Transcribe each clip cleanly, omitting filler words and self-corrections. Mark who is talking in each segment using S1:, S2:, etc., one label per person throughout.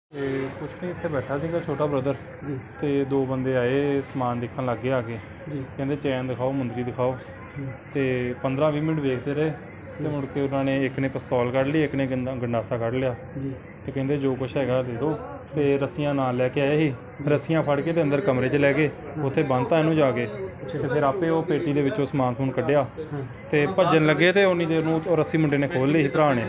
S1: ਤੇ ਕੁਛ ਨਹੀਂ ਇੱਥੇ ਬੈਠਾ ਸੀਗਾ ਛੋਟਾ ਬ੍ਰਦਰ ਜੀ। ਤੇ ਦੋ ਬੰਦੇ ਆਏ ਸਮਾਨ ਦੇਖਣ ਲੱਗ ਗਏ ਆ ਕੇ ਜੀ। ਕਹਿੰਦੇ ਚੈਨ ਦਿਖਾਓ ਮੁੰਦਰੀ ਦਿਖਾਓ ਤੇ 15-20 ਮਿੰਟ ਵੇਖਦੇ ਰਹੇ ਤੇ ਮੁੜ ਕੇ ਉਹਨਾਂ ਨੇ ਇੱਕ ਨੇ ਪਿਸਤੌਲ ਕੱਢ ਲਈ, ਇੱਕ ਨੇ ਗੰਡਾਸਾ ਕੱਢ ਲਿਆ ਜੀ। ਤੇ ਕਹਿੰਦੇ ਜੋ ਕੁਛ ਹੈਗਾ ਦੇ ਦਿਓ ਤੇ ਰੱਸੀਆਂ ਨਾਲ ਲੈ ਕੇ ਆਏ ਸੀ। ਰੱਸੀਆਂ ਫੜ ਕੇ ਤੇ ਅੰਦਰ ਕਮਰੇ 'ਚ ਲੈ ਗਏ, ਉੱਥੇ ਬੰਨ੍ਹਤਾ ਇਹਨੂੰ ਜਾ ਕੇ ਤੇ ਫਿਰ ਆਪੇ ਉਹ ਪੇਟੀ ਦੇ ਵਿੱਚੋਂ ਸਮਾਨ ਸਮੂਨ ਕੱਢਿਆ ਤੇ ਭੱਜਣ ਲੱਗੇ ਤੇ ਉਨੀ ਦੇਰ ਨੂੰ ਉਹ ਰੱਸੀ ਮੁੰਡੇ ਨੇ ਖੋਲ੍ਹ ਲਈ ਸੀ ਭਰਾ ਨੇ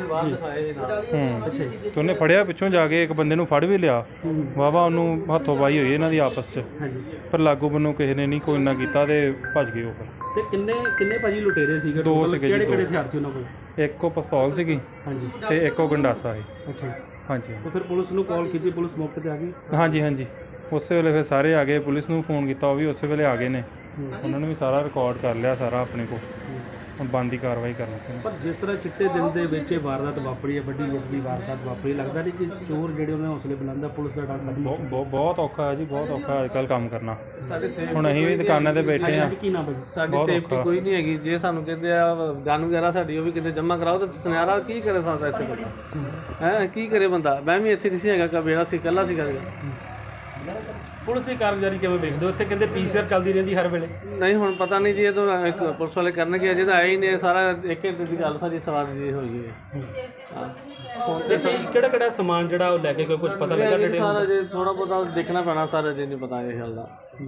S1: ਤੇ ਉਹਨੇ ਫੜਿਆ ਪਿੱਛੋਂ ਜਾ ਕੇ ਇੱਕ ਬੰਦੇ ਨੂੰ ਫੜ ਵੀ ਲਿਆ। ਵਾਹਵਾ ਉਹਨੂੰ ਹੱਥੋਂ ਪਾਈ ਹੋਈ ਇਹਨਾਂ ਦੀ ਆਪਸ 'ਚ, ਪਰ ਲਾਗੂ ਬੰਨੂ ਕਿਸੇ ਨੇ ਨਹੀਂ ਕੋਈ ਇੰਨਾ ਕੀਤਾ ਤੇ ਭੱਜ ਗਏ ਉਹ। ਫਿਰ
S2: ਤੇ ਕਿੰਨੇ ਭਾਜੀ ਲੁਟੇਰੇ ਸੀਗੇ?
S1: ਦੋ ਸੀਗੇ ਜੀ।
S2: ਕਿਹੜੇ ਹਥਿਆਰ ਸੀ ਉਹਨਾਂ ਕੋਲ?
S1: ਇੱਕ ਉਹ ਪਿਸਤੌਲ ਸੀਗੀ ਤੇ ਇੱਕ ਉਹ ਗੰਡਾਸਾ ਸੀ।
S2: ਅੱਛਾ
S1: ਹਾਂਜੀ।
S2: ਤੇ ਫਿਰ ਪੁਲਿਸ ਨੂੰ ਕਾਲ ਕੀਤੀ, ਪੁਲਿਸ ਮੌਕੇ ਤੇ ਆ ਗਈ?
S1: ਹਾਂਜੀ ਉਸੇ ਵੇਲੇ ਫਿਰ ਸਾਰੇ ਆ ਗਏ। ਪੁਲਿਸ ਨੂੰ ਫੋਨ ਕੀਤਾ, ਉਹ ਵੀ ਉਸੇ ਵੇਲੇ ਆ ਗਏ ਨੇ। ਉਹਨਾਂ ਨੇ ਵੀ ਸਾਰਾ ਰਿਕਾਰਡ ਕਰ ਲਿਆ ਸਾਰਾ ਆਪਣੇ ਕੋਲ, ਹੁਣ ਬਣਦੀ ਕਾਰਵਾਈ ਕਰਨੀ ਪੈਣੀ।
S2: ਪਰ ਜਿਸ ਤਰ੍ਹਾਂ ਚਿੱਟੇ ਦਿਨ ਦੇ ਵਿੱਚ ਇਹ ਵਾਰਦਾਤ ਵਾਪਰੀ ਹੈ, ਵੱਡੀ ਲੁੱਟ ਦੀ ਵਾਰਦਾਤ ਵਾਪਰੀ, ਲੱਗਦਾ ਨਹੀਂ ਕਿ ਚੋਰ ਜਿਹੜੇ ਉਹਨਾਂ ਹੌਸਲੇ ਬੁਲੰਦ ਆ, ਪੁਲਿਸ ਦਾ ਡਰ
S1: ਬਹੁਤ ਔਖਾ ਹੈ ਜੀ, ਬਹੁਤ ਔਖਾ ਅੱਜ ਕੱਲ੍ਹ ਕੰਮ ਕਰਨਾ। ਹੁਣ ਅਸੀਂ ਵੀ ਦੁਕਾਨਾਂ ਤੇ ਬੈਠੇ ਹਾਂ,
S2: ਕੀ ਨਾ ਬਸ
S3: ਸਾਡੀ ਸੇਫਟੀ ਕੋਈ ਨਹੀਂ ਹੈਗੀ। ਜੇ ਸਾਨੂੰ ਕਹਿੰਦੇ ਆ ਗਨ ਵਗੈਰਾ ਸਾਡੀ ਉਹ ਵੀ ਕਿਤੇ ਜਮ੍ਹਾਂ ਕਰਾਓ ਤਾਂ ਸੁਨਿਆਰਾ ਕੀ ਕਰੇ ਸਕਦਾ ਇੱਥੇ ਬੰਦਾ? ਹੈ ਕੀ ਕਰੇ ਬੰਦਾ? ਮੈਂ ਵੀ ਇੱਥੇ ਨਹੀਂ ਸੀ ਹੈਗਾ, ਕਬੇੜਾ ਸੀ, ਇਕੱਲਾ ਸੀਗਾ।
S2: ਪੁਲਿਸ ਦੀ ਕਾਰਗੁਜ਼ਾਰੀ ਕਿਵੇਂ ਵੇਖਦੇ ਹੋ? ਇੱਥੇ ਕਹਿੰਦੇ ਪੀਸੀਆਰ ਚੱਲਦੀ ਰਹਿੰਦੀ ਹਰ ਵੇਲੇ।
S3: ਨਹੀਂ ਹੁਣ ਪਤਾ ਨਹੀਂ ਜੀ, ਇਹ ਤਾਂ ਇੱਕ ਪੁਲਿਸ ਵਾਲੇ ਕਰਨਗੇ, ਅਜੇ ਤਾਂ ਆਏ ਹੀ ਨੇ। ਸਾਰਾ ਇੱਕ ਘੰਟੇ ਦੀ ਗੱਲ ਸਾਡੀ ਸਵਾਰ ਜੀ ਹੋਈ ਹੈ। ਹਾਂ
S2: ਤੇ ਕਿਹੜਾ ਸਮਾਨ ਜਿਹੜਾ ਉਹ ਲੈ ਕੇ ਕੁਝ ਪਤਾ ਲੱਗਾ?
S3: ਸਾਰਾ ਜੇ ਥੋੜਾ ਬਹੁਤਾ ਦੇਖਣਾ ਪੈਣਾ, ਸਾਰਾ ਜੇ ਨਹੀਂ ਪਤਾ ਇਹ ਗੱਲ ਦਾ।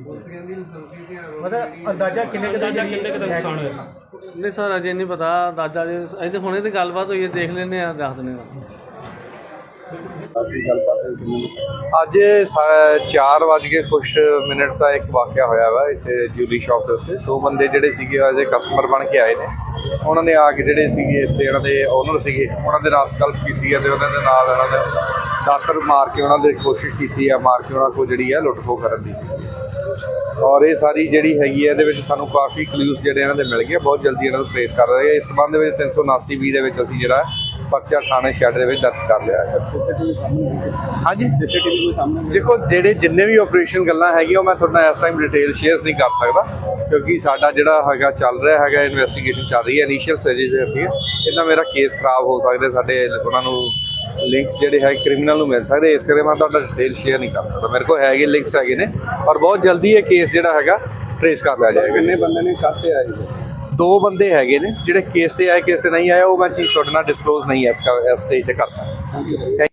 S2: ਮਤਲਬ ਅੰਦਾਜ਼ਾ ਕਿੰਨੇ ਦਾ ਨੁਕਸਾਨ ਹੋਇਆ?
S3: ਨਹੀਂ ਸਰ ਅਜੇ ਨਹੀਂ ਪਤਾ ਅੰਦਾਜ਼ਾ। ਜੇ ਅਜੇ ਹੁਣੇ ਦੀ ਗੱਲਬਾਤ ਹੋਈ ਹੈ, ਦੇਖ ਲੈਂਦੇ ਹਾਂ, ਦੱਸ ਦਿੰਦੇ ਹਾਂ।
S4: ਅੱਜ 4:00 ਕੁਛ ਮਿੰਟ ਦਾ ਇੱਕ ਵਾਕਿਆ ਹੋਇਆ ਵਾ ਇੱਥੇ ਜਿਊਲਰੀ ਸ਼ਾਪ ਦੇ ਉੱਤੇ। ਦੋ ਬੰਦੇ ਜਿਹੜੇ ਸੀਗੇ ਅਜੇ ਕਸਟਮਰ ਬਣ ਕੇ ਆਏ ਨੇ। ਉਹਨਾਂ ਨੇ ਆ ਕੇ ਜਿਹੜੇ ਸੀਗੇ ਇੱਥੇ ਇਹਨਾਂ ਦੇ ਓਨਰ ਸੀਗੇ, ਉਹਨਾਂ ਦੇ ਨਾਲ ਸਲਫ ਕੀਤੀ ਹੈ ਤੇ ਉਹਨਾਂ ਦੇ ਨਾਲ ਉਹਨਾਂ ਦੇ ਦਾਤਰ ਮਾਰ ਕੇ ਉਹਨਾਂ ਦੇ ਕੋਸ਼ਿਸ਼ ਕੀਤੀ ਹੈ, ਮਾਰ ਕੇ ਉਹਨਾਂ ਕੋਲ ਜਿਹੜੀ ਹੈ ਲੁੱਟ ਖੋਹ ਕਰਨ ਦੀ। ਔਰ ਇਹ ਸਾਰੀ ਜਿਹੜੀ ਹੈਗੀ ਹੈ ਇਹਦੇ ਵਿੱਚ ਸਾਨੂੰ ਕਾਫੀ ਕਲੂਜ਼ ਜਿਹੜੇ ਇਹਨਾਂ ਦੇ ਮਿਲ ਗਏ। ਬਹੁਤ ਜਲਦੀ ਇਹਨਾਂ ਨੂੰ ਟ੍ਰੇਸ ਕਰ ਰਹੇ ਹਾਂ। ਇਸ ਸੰਬੰਧ ਵਿੱਚ 379(B) ਦੇ ਵਿੱਚ ਅਸੀਂ ਜਿਹੜਾ ਪਰਚਾ ਥਾਣੇ ਸ਼ੈਡ ਦੇ ਵਿੱਚ ਦਰਜ ਕਰ ਲਿਆ ਹੈ। ਹਾਂਜੀ ਸੀਸੀਟੀਵੀ ਕੋਈ ਸਾਹਮਣੇ ਦੇਖੋ, ਜਿਹੜੇ ਜਿੰਨੇ ਵੀ ਆਪਰੇਸ਼ਨ ਗੱਲਾਂ ਹੈਗੀਆਂ ਉਹ ਮੈਂ ਤੁਹਾਡੇ ਨਾਲ ਇਸ ਟਾਈਮ ਡਿਟੇਲ ਸ਼ੇਅਰ ਨਹੀਂ ਕਰ ਸਕਦਾ, ਕਿਉਂਕਿ ਸਾਡਾ ਜਿਹੜਾ ਹੈਗਾ ਚੱਲ ਰਿਹਾ ਹੈਗਾ, ਇਨਵੈਸਟੀਗੇਸ਼ਨ ਚੱਲ ਰਹੀ ਹੈ, ਇਨੀਸ਼ੀਅਲ ਸਟੇਜਿਸ ਦੇ ਉੱਤੇ। ਇਹਦਾ ਮੇਰਾ ਕੇਸ ਖਰਾਬ ਹੋ ਸਕਦੇ, ਸਾਡੇ ਉਹਨਾਂ ਨੂੰ ਲਿੰਕਸ ਜਿਹੜੇ ਹੈ ਕ੍ਰਿਮੀਨਲ ਨੂੰ ਮਿਲ ਸਕਦੇ, ਇਸ ਕਰਕੇ ਮੈਂ ਤੁਹਾਡਾ ਡਿਟੇਲ ਸ਼ੇਅਰ ਨਹੀਂ ਕਰ ਸਕਦਾ। ਮੇਰੇ ਕੋਲ ਹੈਗੇ ਲਿੰਕਸ ਹੈਗੇ ਨੇ, ਔਰ ਬਹੁਤ ਜਲਦੀ ਇਹ ਕੇਸ ਜਿਹੜਾ ਹੈਗਾ ਟ੍ਰੇਸ ਕਰ ਲਿਆ ਜਾਏਗਾ। ਕਿੰਨੇ ਬੰਦੇ ਨੇ ਕਾਹਤੇ ਆਏ? ਦੋ ਬੰਦੇ ਹੈਗੇ ਨੇ ਜਿਹੜੇ ਕੇਸ ਤੇ ਆਏ, ਕੇਸ ਤੇ ਨਹੀਂ ਆਏ, ਉਹ ਮੈਂ ਚੀਜ਼ ਤੁਹਾਡੇ ਨਾਲ ਡਿਸਕਲੋਜ਼ ਨਹੀਂ ਇਸ ਸਟੇਜ ਤੇ ਕਰ ਸਕਦਾ।